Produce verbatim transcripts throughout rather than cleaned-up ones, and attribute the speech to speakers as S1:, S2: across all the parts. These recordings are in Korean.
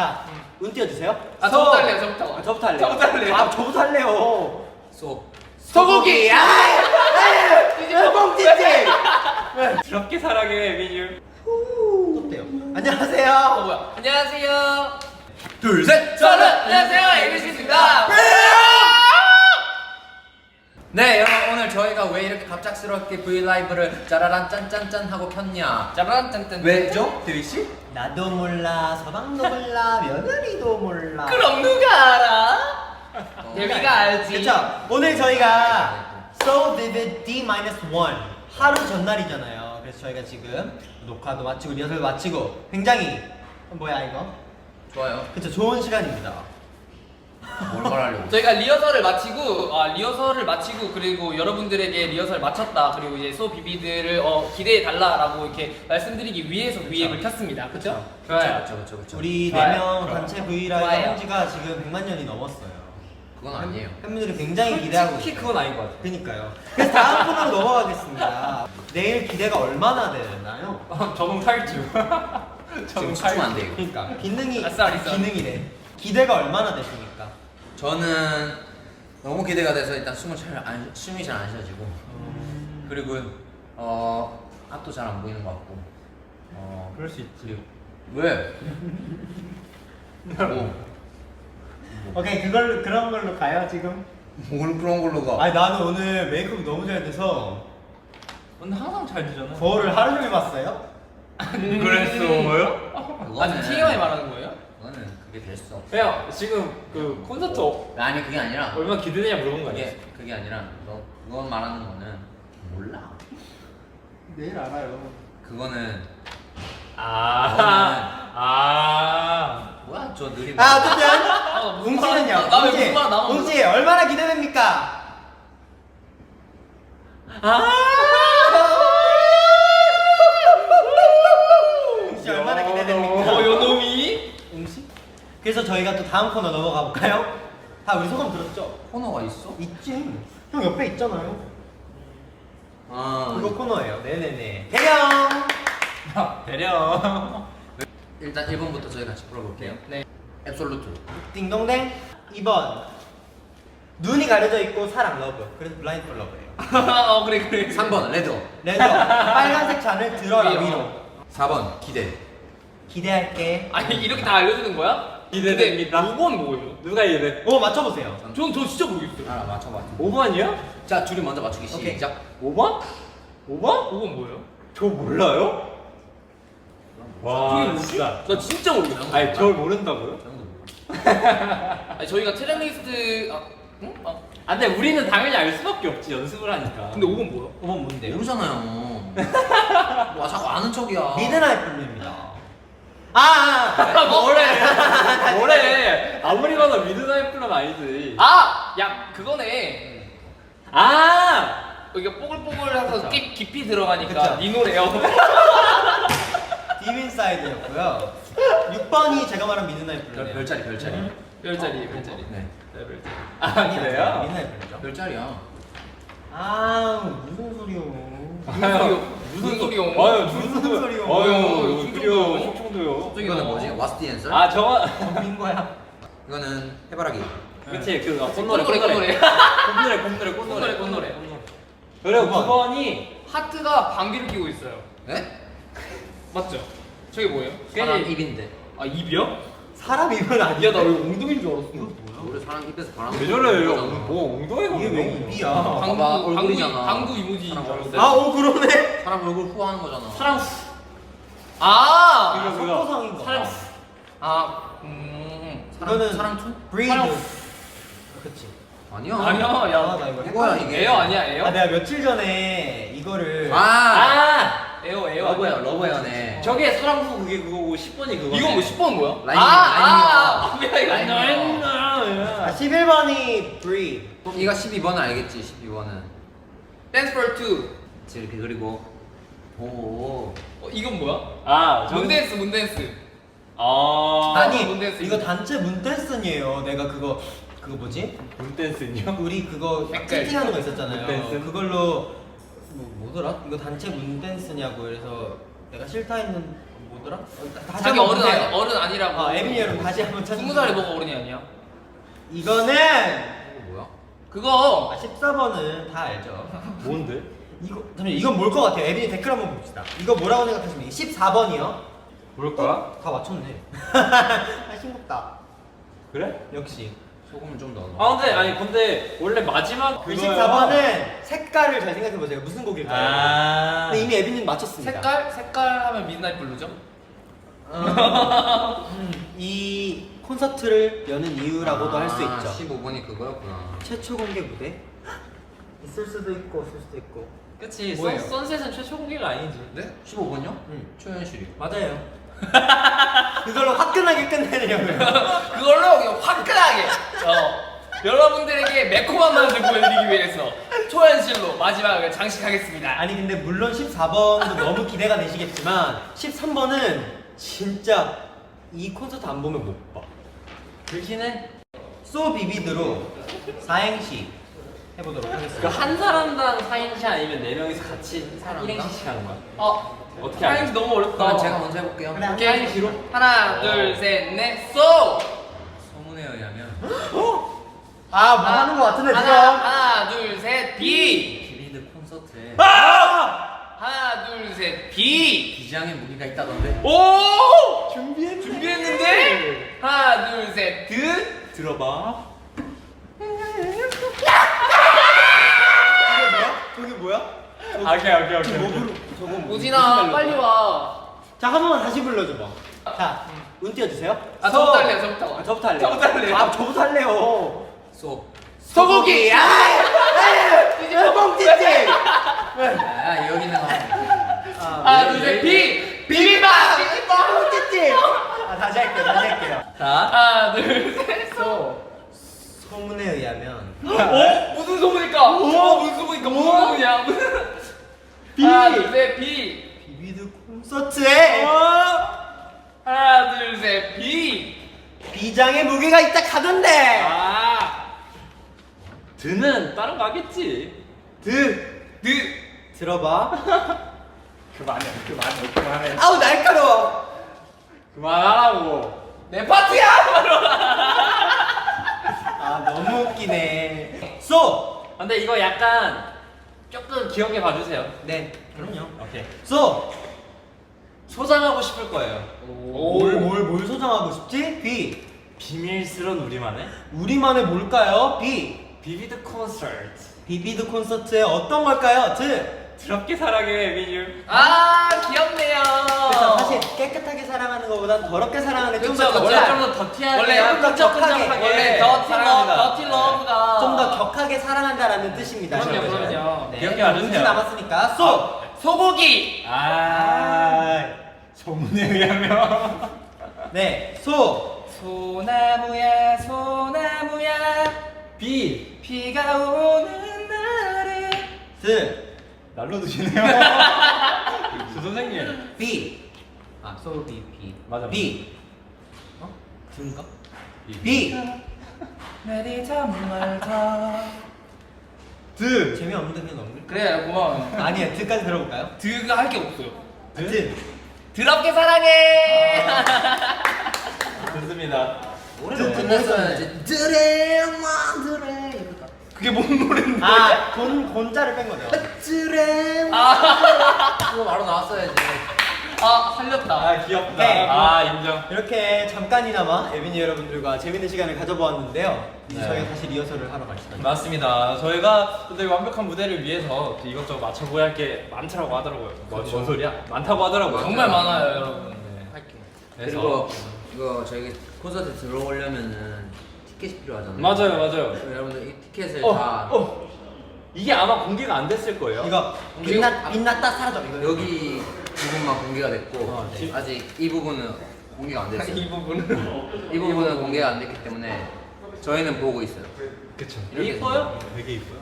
S1: 자, 운 띄워주세요.
S2: 아 저부터 할래요. 저부터.
S1: 아, 저부터 할래요.
S2: 저부터 할래요.
S1: 아, 저부터 할래요.
S3: 소.
S2: 소고기.
S1: 아, 뻥치지.
S3: 그렇게 사랑해 민유.
S1: 어때요? 안녕하세요.
S2: 어 뭐야? 안녕하세요.
S3: 둘 셋.
S2: 저는 안녕하세요 에이비씨입니다.
S3: 네 여러분 오늘 저희가 왜 이렇게 갑작스럽게 브이라이브를 짜라란 짠짠짠 하고 켰냐?
S2: 짜란 짠짠.
S3: 왜죠, 데뷔 씨?
S1: 나도 몰라, 서방도 몰라, 며느리도 몰라.
S2: 그럼 누가 알아?
S3: 어.
S2: 데뷔가 알지.
S1: 그쵸? 오늘 저희가 So Vivid D 마이너스 일 하루 전날이잖아요. 그래서 저희가 지금 녹화도 마치고 리허설 마치고 굉장히 뭐야 이거?
S3: 좋아요.
S1: 그쵸, 좋은 시간입니다.
S3: 뭘 말하려고?
S2: 저희가 리허설을 마치고 아 리허설을 마치고 그리고 여러분들에게 리허설 마쳤다 그리고 이제 소 비비들을 어, 기대해 달라라고 이렇게 말씀드리기 위해서 브이앱을 켰습니다. 그렇죠?
S3: 좋아요. 그렇죠, 그렇죠, 그렇죠.
S1: 우리
S2: 좋아요.
S1: 네 명
S2: 좋아요.
S1: 단체 브이라이브
S2: 좋아요.
S1: 한 지가 지금 백만 년이 넘었어요.
S3: 그건 아니에요.
S1: 팬분들이 굉장히 기대하고
S3: 솔직히
S1: 있어요.
S3: 그건 아닌 것 같아요.
S1: 그니까요. 그래서 다음 코너로 넘어가겠습니다. 내일 기대가 얼마나 되나요?
S3: 저는 탈주. 지금 집중 안 돼요.
S1: 그러니까 기능이
S2: 아싸, 아싸.
S1: 기능이래. 기대가 얼마나 되십니까?
S3: 저는 너무 기대가 돼서 일단 숨을 잘 안, 숨이 잘 안 쉬어지고 그리고 어 앞도 잘 안 보이는 것 같고 어
S1: 그럴 수 있지.
S3: 왜? 뭐,
S1: 오케이, 그걸 그런 걸로 가요 지금.
S3: 뭘 그런 걸로 가?
S1: 아니 나는 오늘 메이크업 너무 잘 돼서
S3: 근데 항상 잘 되잖아.
S1: 거울을 하루 종일 봤어요.
S4: 그랬어요?
S2: 아 지금 티엠아이 말하는 거예요?
S3: 그거는 그게 될 수 없어.
S4: 그냥 지금 그 콘서트 어-
S3: 아니 그게 아니라
S4: 얼마나 기대되냐 물어본 거 아니야?
S3: 그게 그게 아니라 너 그거 말하는 거는 몰라.
S1: 내일 알아요.
S3: 그거는
S4: 아, 아,
S3: 뭐야 저 느린.
S1: 아 어쨌든
S2: 아, 무슨 말-
S1: 웅지는요.
S2: 나- 나왜
S1: 웅지,
S2: 무슨 말 나만
S1: 웅지 얼마나 기대됩니까?
S4: 아,
S1: 웅지 얼마나
S4: 야,
S1: 기대됩니까?
S2: 어 요놈이?
S1: 웅지? 그래서 저희가 또 다음 코너 넘어가 볼까요? 다 우리 소감 들었죠?
S3: 코너가 있어?
S1: 있지. 형 옆에 있잖아요.
S3: 아
S1: 그거 코너예요. 네네네. 대령.
S4: 대령.
S3: 일단 일 번부터 저희 같이 풀어볼게요.
S2: 네.
S3: 앱솔루트.
S1: 띵동댕. 이 번. 눈이 가려져 있고 사랑 러브. 그래서 블라인드 폴 러브예요.
S2: 어 그래 그래.
S3: 삼 번 레드.
S1: 레드. 빨간색 잔을 들어라
S2: 위로.
S1: 위로.
S3: 사 번 기대.
S1: 기대할게.
S2: 아니 이렇게 다 알려주는 거야?
S4: 기대됩니다.
S2: 오 번 뭐예요?
S4: 누가 이래?
S1: 오, 맞춰보세요.
S2: 전, 전 진짜 모르겠어요.
S3: 알아 맞춰봐.
S4: 오 번이요?
S3: 자 둘이 먼저 맞추기
S1: 오케이.
S3: 시작.
S4: 오 번? 오 번?
S2: 오 번 뭐예요?
S4: 저 몰라요? 와,
S2: 그게 뭐지?
S4: 진짜.
S2: 나 진짜 모르겠어.
S4: 아니, 저를 모른다고요?
S3: 저형도 몰라.
S2: 아니 저희가 트랙리스트 아, 응? 아,
S4: 아, 근데 우리는 당연히 알 수밖에 없지, 연습을 하니까.
S2: 근데 오 번 뭐야?
S1: 오 번 뭔데요?
S3: 모르잖아요. 와 자꾸 아는 척이야.
S1: 미드나잇 블루입니다. 아, 아, 아.
S4: 뭐래? 뭐래? 아무리 봐도 미드나잇 플럼 아니지.
S2: 아! 야 그거네.
S4: 아!
S2: 이게 뽀글뽀글해서 깊, 깊이 들어가니까
S1: 그쵸.
S2: 니 노래요.
S1: 딥인사이드였고요. 육 번이 제가 말한 미드나잇
S3: 별,
S1: 블루예요.
S3: 별자리 별자리.
S2: 별자리 별자리.
S3: 네.
S4: 아, 그래요?
S1: 미드나잇 블루죠.
S3: 별자리야.
S1: 아, 무슨 소리요?
S4: 아유,
S2: 무슨 소리요?
S4: 아유,
S1: 무슨
S4: 무슨
S1: 소리요?
S4: 아유,
S2: 충청도요?
S4: 그래요, 충청도요.
S3: 이거는 뭐지? What's the answer?
S4: 아, 저거.
S1: 민 거야.
S3: 이거는 해바라기.
S4: 그치, 그, 어,
S2: 꽃노래
S4: 꽃노래,
S2: 꽃노래.
S4: 꽃노래, 꽃노래, 꽃노래.
S2: 꽃노래 꽃노래.
S4: 그리고
S1: 구 번.
S4: 구 번이
S2: 하트가 방귀를 끼고 있어요.
S3: 네?
S2: 맞죠? 저게 뭐예요?
S3: 사람 입인데.
S2: 아 입이요?
S1: 사람 입은 아니야.
S2: 야 나 왜 엉덩이인 줄 알았어.
S3: 우리 사람 입에서 바람.
S4: 왜 저래요?
S3: 불잖아.
S4: 뭐, 엉덩이가
S1: 이게 왜
S4: 뭐.
S1: 입이야?
S2: 방구
S3: 봐봐,
S2: 방구
S3: 얼굴이잖아.
S2: 방구 이모지인 줄
S3: 사람
S2: 알았어요.
S1: 아, 오, 그러네.
S3: 사람 얼굴 후하는 거잖아.
S2: 사랑 아
S4: 그거, 그거.
S1: 속도상인 거.
S2: 사랑 아 음.
S3: 사람
S1: 이거는
S3: 사람 촌?
S1: 브리드.
S2: 사람-
S1: 그치.
S3: 아니야.
S2: 아니야
S1: 아,
S2: 야
S1: 나 이거
S3: 이거야
S1: 헷갈리네.
S3: 이게.
S2: 에어 아니야 에어?
S1: 아, 내가 며칠 전에 이거를
S3: 아.
S4: 아!
S2: 에어 에어
S3: 러브야
S2: 아니야?
S3: 러브야네.
S4: 저게 사랑후 그게 그거고 십 번이 그거.
S2: 이건 뭐 십 번 뭐야?
S3: 라인이야,
S2: 아, 아, 뭐야 이거?
S3: 라인이야.
S1: 아, 십일 번이 브리드.
S3: 네가 십이 번은 알겠지. 십이 번은.
S2: Dance for two.
S3: 이렇게 그리고 오.
S2: 어, 이건 뭐야?
S4: 아, 저는-
S2: 문댄스 문댄스.
S4: 아.
S1: 아니,
S2: 문댄스
S1: 이거
S2: 이거.
S1: 단체 문댄스니에요. 내가 그거 그거 뭐지?
S4: 문댄스요?
S1: 우리 그거
S2: 색깔.
S1: 채팅하는 거 있었잖아요.
S4: 문댄스?
S1: 그걸로 뭐 뭐더라? 이거 단체 문댄스냐고 그래서 내가 싫다 했는 뭐 누구더라? 어, 다시
S2: 자기
S1: 한번
S2: 어른
S1: 보세요.
S2: 아니, 어른 아니라고.
S1: 아 에빈이 여러분 다시 한번 찾으세요.
S2: 스무 살이 뭐가 어른이 아니야?
S1: 이거는
S3: 이거 뭐야?
S2: 그거
S1: 아, 십사 번은 다 알죠.
S4: 뭔데?
S1: 이거 잠시만 이건 뭘 것 같아요? 에빈이 댓글 한번 봅시다. 이거 뭐라고 생각하십니까? 십사 번이요.
S4: 뭘 거야?
S1: 다 맞췄네. 아 싱겁다.
S4: 그래?
S1: 역시.
S3: 소금을 좀 더 넣어.
S4: 아 근데 아니 근데 원래 마지막
S1: 그 십사 번은 색깔을 잘 생각해 보세요. 무슨 곡일까요?
S4: 아.
S1: 근데 이미 에빈님 맞췄습니다.
S2: 색깔 색깔 하면 미드나잇 블루죠?
S1: 어, 음, 이 콘서트를 여는 이유라고도 할 수 있죠.
S3: 십오 번이 그거였구나.
S1: 최초 공개 무대? 있을 수도 있고 없을 수도 있고.
S4: 그치.
S2: 뭐예요?
S4: 선, 선셋은 최초 공개가 아니지.
S3: 네? 십오 번요?
S1: 응.
S3: 초현실이.
S1: 맞아요. 그걸로 화끈하게 끝내려고요.
S2: 그걸로 그냥 화끈하게 어, 여러분들에게 매콤한 맛을 보여드리기 위해서 초현실로 마지막을 장식하겠습니다.
S1: 아니 근데 물론 십사 번도 너무 기대가 되시겠지만 십삼 번은 진짜 이 콘서트 안 보면 못 봐.
S3: 그렇긴 해.
S1: 소 비비드로 사행시 해보도록
S4: 그
S1: 하겠습니다.
S4: 한 사람당 사 행시 아니면 네 명이서 같이
S3: 사람당?
S4: 일 행시씩 하는 거야.
S2: 어
S4: 어떻게
S2: 사행시 너무 어렵다.
S3: 그럼 제가 먼저 해볼게요.
S1: 그래.
S2: 오케이.
S4: 사행시로?
S2: 하나
S4: 어.
S2: 둘셋넷 쏘!
S3: 소문에 의하면
S1: 아 뭐 하는 거 같은데
S2: 하나
S1: 지금?
S2: 하나 둘셋 비!
S3: 비비드 콘서트에
S2: 하나 둘셋 비!
S3: 비장의 무기가 있다던데.
S2: 오!
S1: 준비했네.
S2: 준비했는데? 하나 둘셋 드!
S4: 들어봐.
S1: 저게 뭐야? 저게 뭐야?
S4: 아, 오케이 오케이 오케이.
S1: 저거 뭐로? 저거 뭐?
S2: 오진아 빨리 와.
S1: 자, 한 번만 다시 불러줘봐. 자, 운 띄워주세요.
S2: 아
S1: 서.
S2: 저부터 할래요 저부터.
S1: 아, 저부터 할래요.
S2: 저부터 할래요.
S1: 아, 저부터 할래요.
S3: 소.
S2: 소고기!
S1: 아! 뻥튀집!
S3: 아 여기는
S2: 하나 둘셋 비! 비빔밥!
S1: 뻥튀집! 아, 다시 할게요, 다시 할게요.
S3: 자.
S2: 하나 둘셋 쏘!
S1: 소문에 의하면.
S2: 어? 무슨 소문일까? 어? 무슨 소문일까? 무슨 소문이야? 무슨
S1: 비!
S2: 하나 둘셋 비!
S1: 비비드 콘서트에
S2: 하나 둘셋 비!
S1: 비장의 무게가 있다 가던데!
S4: 아. 드는 다른 거 하겠지.
S1: 드!
S2: 드!
S1: 들어봐.
S4: 그만해 그만해 그만해.
S1: 아우, 날카로워!
S4: 그만하라고.
S2: 내 파트야! 바로!
S1: 아, 너무 웃기네. 소!
S4: 근데 이거 약간 조금 귀엽게 봐주세요.
S1: 네, 그럼요.
S4: 오케이.
S1: 소!
S4: 소장하고 싶을 거예요.
S1: 뭘, 뭘, 뭘 소장하고 싶지? 비!
S4: 비밀스러운 우리만의
S1: 우리만의 뭘까요? 비!
S4: 비비드 콘서트.
S1: 비비드 콘서트에 어떤 걸까요? 드!
S4: 드럽게 사랑해 에비뉴.
S2: 아 귀엽네요.
S1: 그래서 사실 깨끗하게 사랑하는 것보단 더럽게 사랑하는 게 좀 더
S2: 그쵸, 그쵸.
S4: 원래
S1: 격하-
S4: 좀 더 더티하게
S2: 원래
S1: 좀 더
S4: 끈적끈적하게
S2: 원래 더티
S4: 사랑합니다.
S2: 러브, 더티 러브가
S1: 좀 더 격하게 사랑한다라는 뜻입니다.
S2: 그럼요,
S1: 여러분.
S2: 그럼요.
S1: 네,
S4: 기억해 와주세요.
S1: 문제 남았으니까 소!
S2: 소! 소고기!
S4: 아, 소문에 의하면
S1: 네, 소!
S2: 소나무야 소나무야
S4: 비
S2: 비가 오는 날에
S1: 드!
S4: 날로 드시네요. 조 선생님.
S1: 비! 아, 소, 비, 비.
S4: 맞아,
S1: 비! 어? 드인가?
S4: 비.
S1: 비!
S2: 내리 정말 더
S1: 드! 재미없는데 그냥 넘길
S2: 그래 고마워요.
S1: 아니에요, 드까지 들어볼까요?
S2: 드가 할 게 없어요.
S1: 드! 드!
S2: 드럽게 사랑해.
S4: 좋습니다.
S3: 노래가 끝났어야지. 드레만 드레 이거다.
S2: 그게 뭔 노래인데?
S1: 아, 곤, 곤자를 뺀 거죠.
S3: 드레만 이거 바로 나왔어야지.
S2: 아 살렸다.
S4: 아 귀엽다.
S1: 네.
S4: 아 인정.
S1: 이렇게 잠깐이나마 에비니 여러분들과 재밌는 시간을 가져보았는데요. 이제
S4: 네.
S1: 저희가 다시 리허설을 하러 갈 시간입니다.
S4: 맞습니다. 저희가 또 되게 완벽한 무대를 위해서 또 이것저것 맞춰보야 할 게 많더라고 하더라고요. 뭔, 뭔 소리야? 많다고 하더라고요.
S2: 정말 많아요 여러분.
S4: 네.
S3: 할게.
S4: 그래서
S3: 그리고 이거 저희 콘서트 들어오려면은 티켓이 필요하잖아요.
S4: 맞아요, 맞아요.
S3: 그럼 여러분들 이 티켓을
S4: 어,
S3: 다
S4: 어. 이게 아마 공개가 안 됐을 거예요.
S1: 이거 빛났, 빛났다 사라져. 이거.
S3: 여기 부분만 공개가 됐고
S1: 어, 네.
S3: 아직 이 부분은 공개가 안 됐어요.
S2: 이 부분은
S3: 이 부분은 공개가 안 됐기 때문에 저희는 보고 있어요.
S4: 그쵸.
S3: 이렇게
S4: 이뻐요? 되게 이뻐요.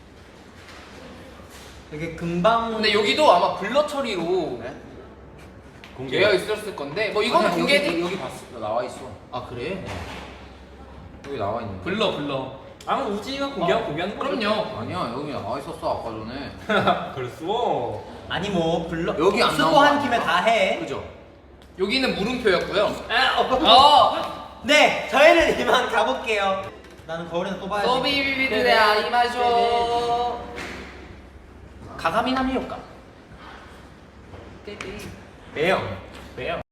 S1: 되게 금방.
S2: 근데 여기도 아마 블러 처리로
S3: 네?
S4: 공개.
S2: 되어 있었을 건데 뭐 이거는
S3: 아니야,
S2: 공개
S3: 여기, 여기 봤어. 나와 있어.
S1: 아 그래?
S3: 여기 나와 있는. 거.
S2: 블러 블러.
S4: 아마 우지가 공개하고
S2: 어,
S4: 공개하는 거죠.
S2: 그럼요.
S3: 아니야 여기 나와 있었어 아까 전에.
S4: 그랬어.
S1: 아니 뭐 불러.
S3: 여기 안 나온 거
S1: 수고한
S3: 아니야?
S1: 김에 다 해.
S3: 그죠?
S2: 여기는 물음표였고요.
S1: 아, 어.
S2: 어,
S1: 네, 저희는 이만 가볼게요. 나는 거울에서 또 봐야지.
S2: 소비비비드의 아이마쇼. 가가미나미 효과.
S1: 매형.
S4: 왜요?